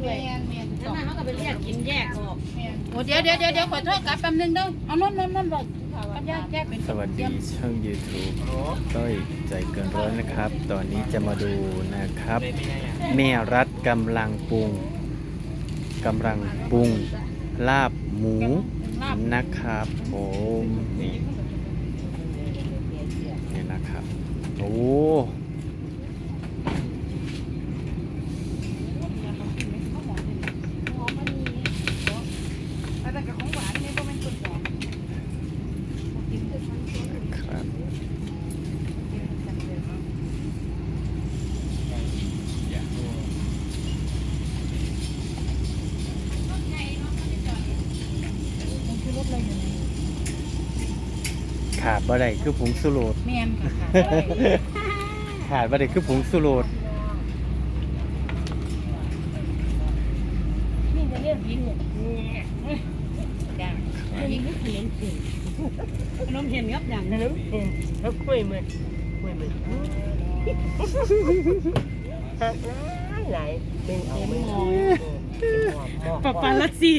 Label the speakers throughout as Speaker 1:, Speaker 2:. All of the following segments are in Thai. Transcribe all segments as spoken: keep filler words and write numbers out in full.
Speaker 1: แม่นแม่นแล้วมันเขาก็ไปเรียกกินแยกออกแม่น
Speaker 2: โอ้เดี๋ยวเดี๋ยวเดี๋ยวเดี๋ยวขอโทษกลับแป๊บนึงเด้อเอานนนนนบอกกันยากแยกเป็น
Speaker 3: สวัสดีช่อง ยูทูบ ต้อยใจเกินร้อยนะครับ ตอนนี้จะมาดูนะครับ แม่รัฐกำลังปรุงกำลังปรุงลาบหมูนะครับผมนี่นี่นะครับโอ้
Speaker 2: แต่กับของหวานนี่ก็เป็นส่วนสอง
Speaker 3: ครับ
Speaker 2: มันคือรถอะไรอยู่นี่
Speaker 3: ขาดบ่ได้คือผงสุโรส
Speaker 2: แม่นค่ะ
Speaker 3: ขาดบ่ได้คือผงสุโรส
Speaker 1: นี่จะเรียกกินเนี่ยจ้ายิงก็เห็นสิน้องเห็นครับอย่างนั้นเห็นแล้วคุยมันคุยมันหักหลายเป็นเอ็มงอยปะปาลัสซี่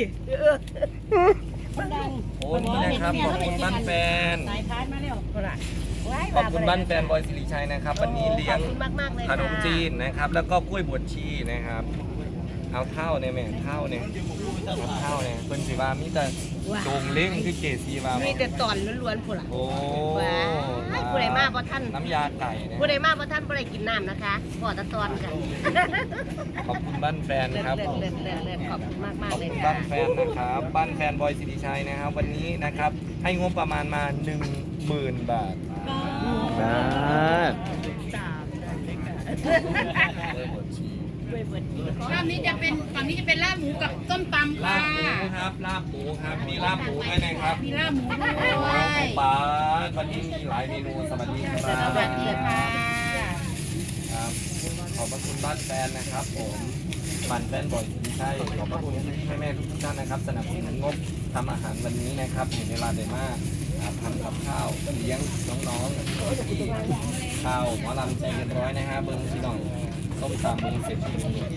Speaker 1: ดัง
Speaker 4: โอ้นี่นะครับขอบคุณบ้านแฟน
Speaker 1: สายพานมาแล้วเท่าไหร่
Speaker 4: ขอบคุณบ้านแฟนบอยสิริชัยนะครับวันนี้เลี้ยงขนมจีนนะครับ แล้วก็กล้วยบวชชีนะครับเอาเท่าเนี่ยแม่เท่าเนี่ยเอาเท่าเนี่ยเพิ่นสิว่ามีแต่โด่งเล้งคือเกสีว่า
Speaker 1: มีแต่ตอนล้วนๆผู้ล่ะ
Speaker 4: โอ้
Speaker 1: ว้ายผู้ใดมาเพราะท่าน
Speaker 4: น้ำยาไก่เนี่ย
Speaker 1: ผู้ใดมาเพราะท่านผู้ใดกินน้ำนะคะขอตะตอนค่ะ
Speaker 4: ขอบคุณบ้านแฟน
Speaker 1: เลิศ
Speaker 4: ครับ
Speaker 1: เลิ
Speaker 4: ผ
Speaker 1: ศ
Speaker 4: ม
Speaker 1: เลิศเลิศเลิศขอบคุณมากมาก
Speaker 4: ขอบ
Speaker 1: เลย
Speaker 4: คุณ
Speaker 1: ค่ะ
Speaker 4: บ้านแฟนนะครับบ้านแฟนบอยสิริชัยนะครับ วันนี้นะครับให้งบประมาณมาหนึ่งหมื่นบาท
Speaker 3: บาท
Speaker 1: สามด้วยบทชี
Speaker 2: ลาบนี้จะเป็นฝั่งนี้จะเป็นลาบหมูกับส้มตำ
Speaker 4: ลา
Speaker 2: ค่ะ
Speaker 4: บหมูครับลาบหมูครับมีลาบหมูด้วยนะครับ
Speaker 2: มีลาบหมูด้
Speaker 4: โอ้
Speaker 2: วย
Speaker 4: ป้าวันนี้มีหลายเมนูสวัสดีครับ
Speaker 2: สวัสดีค่ะ
Speaker 4: ครับขอบพระคุณบ้านแฟนนะครับผมบ้านแฟนบ่อยที่ใช่ขอบพระคุณแม่แม่ๆทุกท่านนะครับ สนับสนุนงบทำอาหารวันนี้นะครับเห็นเวลาได้มากครับทำกับข้าวเลี้ยงน้องๆที่ข้าวหมอลำใจเรียบร้อยนะฮะเบิ้งพี่น้องส้มตำเบิ้งเสร็จ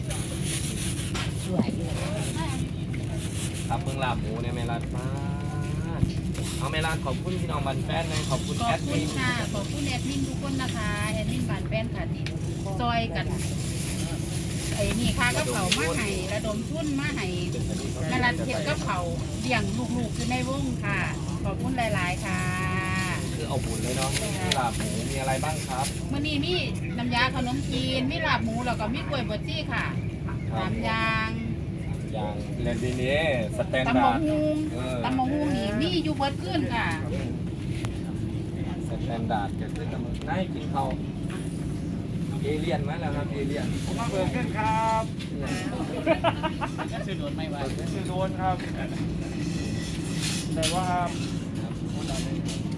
Speaker 4: ครับเบิ้งลาบหมูเนี่ยแม่รัดมากเอาแม่รัดขอบคุณพี่น้องบ้านแฟนนะขอบคุณ
Speaker 2: ขอ
Speaker 4: แอบ ด
Speaker 2: คุ
Speaker 4: มิ
Speaker 2: ณ
Speaker 4: น
Speaker 2: ค่ะ ขอบคุณแอดมินทุกคนนะคะแอดมินบานแป้นค่ะติดซอยกันไอ้นี่ค่ะก็เผามาให้ระดมทุนมาให้นรัดเทียบก็เผาเลี้ยงลูกๆคือในวงค่ะ ขอบคุณหลายๆค่ะ
Speaker 4: คือเอาบุญเลยเนาะมีลาบหมูมีอะไรบ้างครับ
Speaker 2: มื่อนี้มีน้ำยาขนมจีนมีลาบหมูแล้วก็มีกล้วยบดจี้ค่ะ
Speaker 4: ครับ
Speaker 2: สามอย่าง
Speaker 4: อย่างเลนดีนี้สแตน
Speaker 2: ตำมะ
Speaker 4: ดาร์ด
Speaker 2: ฮุง
Speaker 4: เออ
Speaker 2: ตำมะฮุงนี่มีอยู่เบิดขึ้นค่ะ
Speaker 4: สแตนดาร์ดเกิดขึ้นกับมึงนายกินเขาเอเลียนไหมล่ะครับเอเลียนมาเปิดขึ้นครับชื่อโดนไม่ไหวชื่อโดนครับแต่ว่าครับ